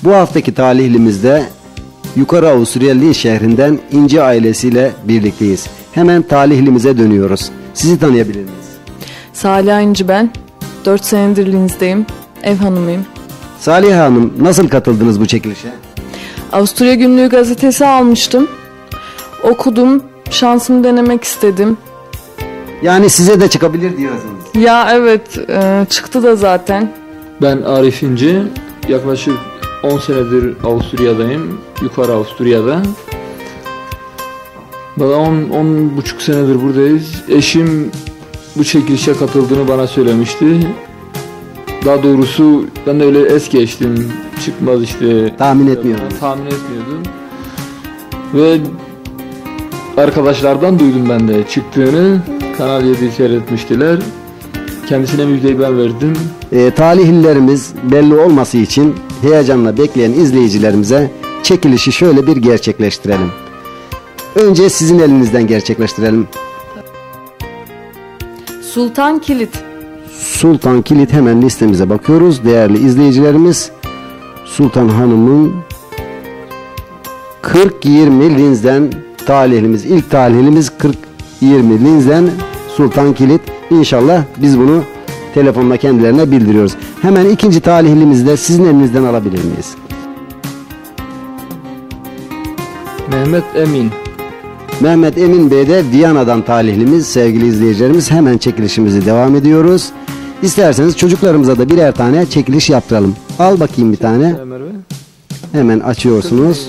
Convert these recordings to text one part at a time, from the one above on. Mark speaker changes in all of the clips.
Speaker 1: Bu haftaki talihlimizde Yukarı Avusturya Linz şehrinden İnci ailesiyle birlikteyiz. Hemen talihlimize dönüyoruz. Sizi tanıyabilir miyiz?
Speaker 2: Salih İnci ben. 4 senedir Linz'deyim. Ev hanımıyım.
Speaker 1: Salih Hanım, nasıl katıldınız bu çekilişe?
Speaker 2: Avusturya Günlüğü gazetesi almıştım. Okudum. Şansımı denemek istedim.
Speaker 1: Yani size de çıkabilir diyorsunuz.
Speaker 2: Ya evet, çıktı da zaten.
Speaker 3: Ben Arif İnci. Yaklaşık 10 senedir Avusturya'dayım. Yukarı Avusturya'da. Valla 10,5 senedir buradayız. Eşim bu çekilişe katıldığını bana söylemişti. Daha doğrusu ben de öyle es geçtim. Çıkmaz işte.
Speaker 1: Tahmin etmiyordum.
Speaker 3: Tahmin etmiyordum. Ve arkadaşlardan duydum ben de çıktığını. Kanal 7'yi seyretmiştiler. Kendisine müjdeyi ben verdim.
Speaker 1: Talihlilerimiz belli olması için heyecanla bekleyen izleyicilerimize çekilişi şöyle bir gerçekleştirelim. Önce sizin elinizden gerçekleştirelim.
Speaker 2: Sultan Kilit.
Speaker 1: Sultan Kilit, hemen listemize bakıyoruz. Değerli izleyicilerimiz, Sultan Hanım'ın 40-20 Linz'den talihlimiz. İlk talihlimiz 40-20 Linz'den Sultan Kilit. İnşallah biz bunu telefonla kendilerine bildiriyoruz. Hemen ikinci talihlimizi de sizin elinizden alabilir miyiz?
Speaker 3: Mehmet Emin.
Speaker 1: Mehmet Emin Bey de Viyana'dan talihlimiz. Sevgili izleyicilerimiz, hemen çekilişimizi devam ediyoruz. İsterseniz çocuklarımıza da birer tane çekiliş yaptıralım. Al bakayım bir tane. Hemen açıyorsunuz.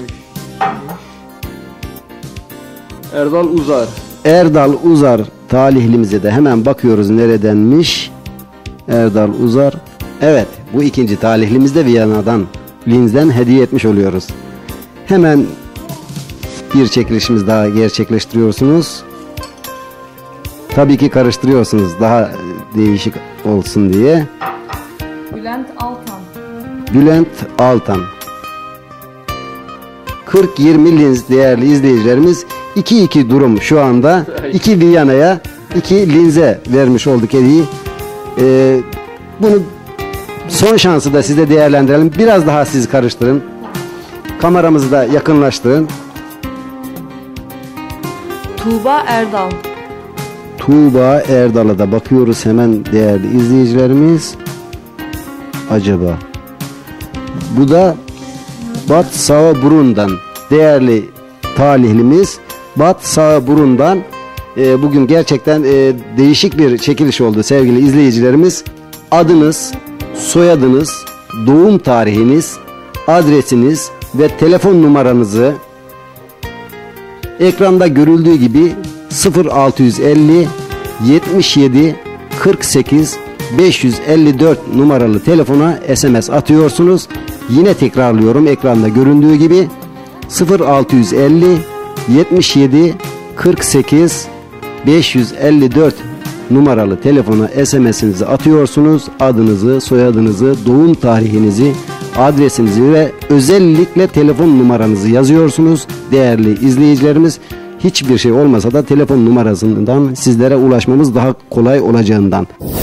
Speaker 3: Erdal Uzar.
Speaker 1: Erdal Uzar talihlimize de hemen bakıyoruz neredenmiş. Erdal Uzar. Evet, bu ikinci talihlimiz de Viyana'dan, Linz'den hediye etmiş oluyoruz. Hemen bir çekilişimiz daha gerçekleştiriyorsunuz. Tabii ki karıştırıyorsunuz daha değişik olsun diye.
Speaker 2: Bülent Altan.
Speaker 1: Bülent Altan. 40-20 Linz değerli izleyicilerimiz. 2-2 durum şu anda. 2 Viyana'ya, 2 Linz'e vermiş olduk hediyeyi. Bunu son şansı da size değerlendirelim. Biraz daha siz karıştırın. Kameramızı da yakınlaştırın.
Speaker 2: Tuğba Erdal.
Speaker 1: Tuğba Erdal'a da bakıyoruz hemen değerli izleyicilerimiz. Acaba bu da Bad Sauerbrun'dan değerli talihlimiz. Bad Sauerbrun'dan bugün gerçekten değişik bir çekiliş oldu sevgili izleyicilerimiz. Adınız, soyadınız, doğum tarihiniz, adresiniz ve telefon numaranızı ekranda görüldüğü gibi 0650 77 48 554 numaralı telefona SMS atıyorsunuz. Yine tekrarlıyorum, ekranda göründüğü gibi 0650 77 48 554 numaralı telefona SMS'inizi atıyorsunuz. Adınızı, soyadınızı, doğum tarihinizi, adresinizi ve özellikle telefon numaranızı yazıyorsunuz. Değerli izleyicilerimiz, hiçbir şey olmasa da telefon numarasından sizlere ulaşmamız daha kolay olacağından.